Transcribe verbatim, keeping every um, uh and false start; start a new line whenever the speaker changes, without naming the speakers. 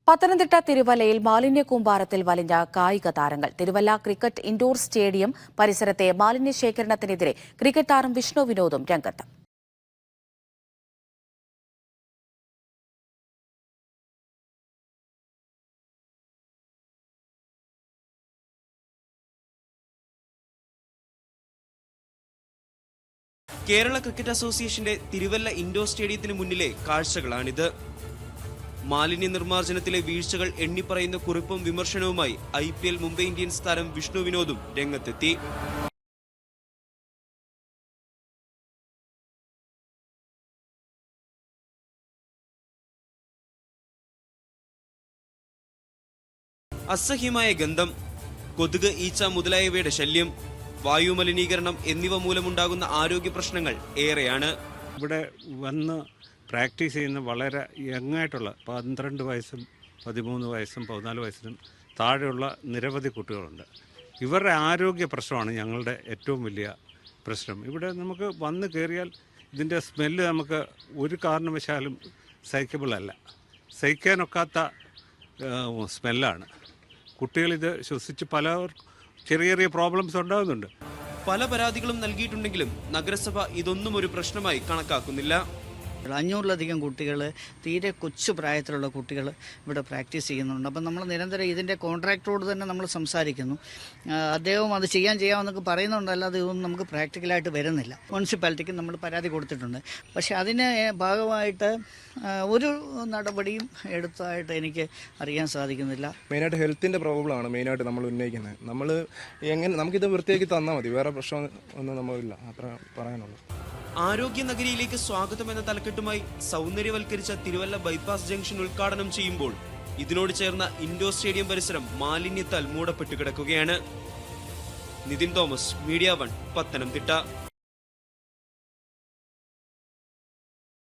പത്തനംതിട്ട തിരുവല്ലയിൽ മാലിന്യ കൂമ്പാരത്തിൽ വലിഞ്ഞ കായിക താരങ്ങൾ. തിരുവല്ല ക്രിക്കറ്റ് ഇൻഡോർ സ്റ്റേഡിയം പരിസരത്തെ മാലിന്യ ശേഖരണത്തിനെതിരെ ക്രിക്കറ്റ് താരം വിഷ്ണു വിനോദും രംഗത്ത്.
കേരള ക്രിക്കറ്റ് അസോസിയേഷന്റെ തിരുവല്ല ഇൻഡോർ സ്റ്റേഡിയത്തിന് മുന്നിലെ കാഴ്ചകളാണിത്. മാലിന്യ നിർമ്മാർജ്ജനത്തിലെ വീഴ്ചകൾ എണ്ണിപ്പറയുന്ന കുറിപ്പും വിമർശനവുമായി I P L Mumbai Indians താരം വിഷ്ണു വിനോദും രംഗത്തെത്തി. അസഹ്യമായ ഗന്ധം, കൊതുക്, ഈച്ച മുതലായവയുടെ ശല്യം, വായു മലിനീകരണം എന്നിവ മൂലമുണ്ടാകുന്ന ആരോഗ്യ പ്രശ്നങ്ങൾ ഏറെയാണ്.
ഇവിടെ വന്ന് പ്രാക്ടീസ് ചെയ്യുന്ന വളരെ യങ്ങായിട്ടുള്ള പന്ത്രണ്ട് വയസ്സും പതിമൂന്ന് വയസ്സും പതിനാല് വയസ്സിനും താഴെയുള്ള നിരവധി കുട്ടികളുണ്ട്. ഇവരുടെ ആരോഗ്യ പ്രശ്നമാണ് ഞങ്ങളുടെ ഏറ്റവും വലിയ പ്രശ്നം. ഇവിടെ നമുക്ക് വന്ന് കയറിയാൽ ഇതിൻ്റെ സ്മെല്ല് നമുക്ക് ഒരു കാരണവശാലും സഹിക്കബിളല്ല, സഹിക്കാനൊക്കാത്ത സ്മെല്ലാണ്. കുട്ടികളിത് ശ്വസിച്ച് പല ചെറിയ ചെറിയ പ്രോബ്ലംസ് ഉണ്ടാകുന്നുണ്ട്.
പല പരാതികളും നൽകിയിട്ടുണ്ടെങ്കിലും നഗരസഭ ഇതൊന്നും ഒരു പ്രശ്നമായി കണക്കാക്കുന്നില്ല.
അഞ്ഞൂറിലധികം കുട്ടികൾ, തീരെ കൊച്ചു പ്രായത്തിലുള്ള കുട്ടികൾ ഇവിടെ പ്രാക്ടീസ് ചെയ്യുന്നുണ്ട്. അപ്പം നമ്മൾ നിരന്തരം ഇതിൻ്റെ കോൺട്രാക്ടറോട് തന്നെ നമ്മൾ സംസാരിക്കുന്നു. അദ്ദേഹം അത് ചെയ്യാൻ ചെയ്യാമെന്നൊക്കെ പറയുന്നുണ്ടല്ലാതെ ഇതൊന്നും നമുക്ക് പ്രാക്ടിക്കലായിട്ട് വരുന്നില്ല. മുനിസിപ്പാലിറ്റിക്ക് നമ്മൾ പരാതി കൊടുത്തിട്ടുണ്ട്. പക്ഷേ അതിന് ഭാഗമായിട്ട് ഒരു നടപടിയും എടുത്തതായിട്ട് എനിക്ക് അറിയാൻ സാധിക്കുന്നില്ല.
മെയിനായിട്ട് ഹെൽത്തിൻ്റെ പ്രോബ്ലമാണ് മെയിനായിട്ട് നമ്മൾ ഉന്നയിക്കുന്നത്. നമ്മൾ എങ്ങനെ നമുക്കിത് വൃത്തിയാക്കി തന്നാൽ മതി, വേറെ പ്രശ്നം ഒന്നും നമ്മളില്ല, അത്ര പറയാനുള്ളൂ.
ആരോഗ്യ നഗരിയിലേക്ക് സ്വാഗതം എന്ന തലക്കെട്ടുമായി സൗന്ദര്യവൽക്കരിച്ച തിരുവല്ല ബൈപ്പാസ് ജംഗ്ഷൻ ഉദ്ഘാടനം ചെയ്യുമ്പോൾ ഇതിനോട് ചേർന്ന ഇൻഡോർ സ്റ്റേഡിയം പരിസരം മാലിന്യത്താൽ മൂടപ്പെട്ടു കിടക്കുകയാണ്. Nithin Thomas, media one, Pathanamthitta.